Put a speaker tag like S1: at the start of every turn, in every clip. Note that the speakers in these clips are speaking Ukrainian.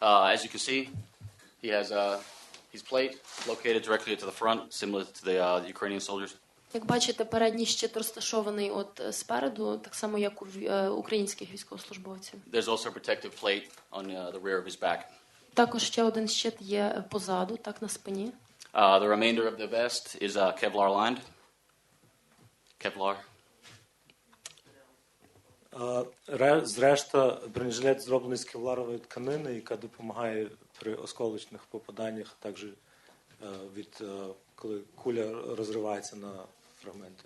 S1: As you can see, he has his plate located directly to the front, similar to the Ukrainian soldiers.
S2: Як бачите, передній щит розташований от спереду, так само як у українських військовослужбовців.
S1: There's also a protective plate on the rear of his back.
S2: Також ще один щит є позаду, так на спині.
S1: The remainder of the vest is Kevlar lined. Kevlar.
S3: Зрешта, бронежилет зроблений з кевларової тканини, яка допомагає при осколочних попаданнях, також коли куля розривається на фрагменти.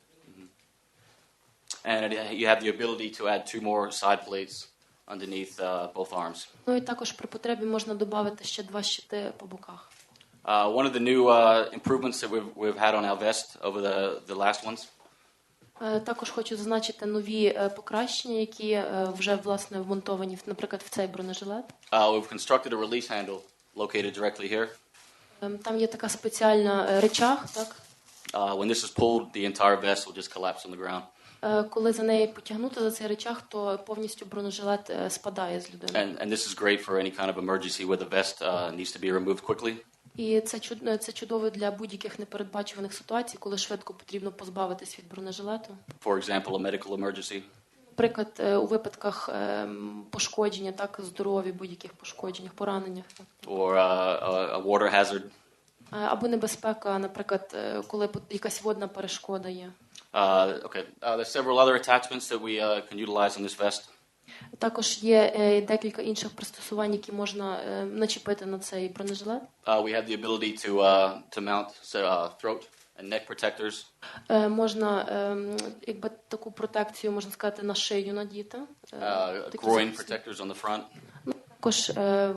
S1: And you have the ability to add 2 more side plates underneath both arms.
S2: Ну і також при потребі можна додати ще 2 щити по боках.
S1: One of the new improvements that we've had on our vest over the last ones.
S2: Також хочу зазначити нові покращення, які вже власне вмонтовані, наприклад, в цей бронежилет.
S1: We've constructed a release handle located directly here.
S2: Там є така спеціальна речах, так?
S1: When this is pulled, the entire vest will just collapse on the ground.
S2: Коли за неї потягнути за цей речах, то повністю бронежилет спадає з людини.
S1: And this is great for any kind of emergency where the vest needs to be removed quickly.
S2: І це чудово для будь-яких непередбачуваних ситуацій, коли швидко потрібно позбавитись від бронежилету.
S1: For example, a medical emergency.
S2: Наприклад, у випадках пошкодження, так, здоров'я, будь-яких пошкодженнях, пораненнях.
S1: Or a water hazard.
S2: Або небезпека, наприклад, коли якась водна перешкода є.
S1: Okay. There's several other attachments that we can utilize on this vest.
S2: Також є декілька інших пристосувань, які можна начепити на цей бронежилет.
S1: We have the ability to mount throat and neck protectors.
S2: Можна, якби таку протекцію, можна сказати, на шию надіти.
S1: Groin protectors on the front.
S2: Також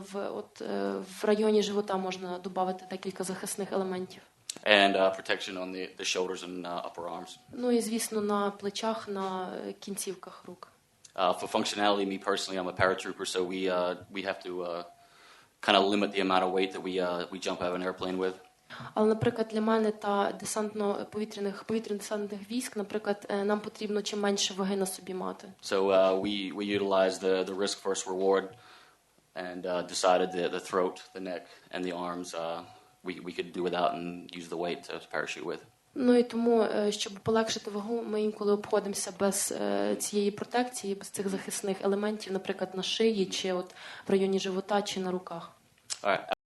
S2: в районі живота можна додати декілька захисних елементів.
S1: And protection on the shoulders and upper arms.
S2: Ну і, звісно, на плечах, на кінцівках рук.
S1: For functionality, me personally, I'm a paratrooper, so we have to kind of limit the amount of weight that we jump out of an airplane with.
S2: Але, наприклад, для мене та повітряно-десантних військ, наприклад, нам потрібно чим менше ваги на собі мати.
S1: So we utilized the risk first reward and decided the throat, the neck, and the arms we could do without and use the weight to parachute with.
S2: Ну і тому, щоб полегшити вагу, ми інколи обходимося без цієї протекції, без цих захисних елементів, наприклад, на шиї, чи от в районі живота, чи на руках.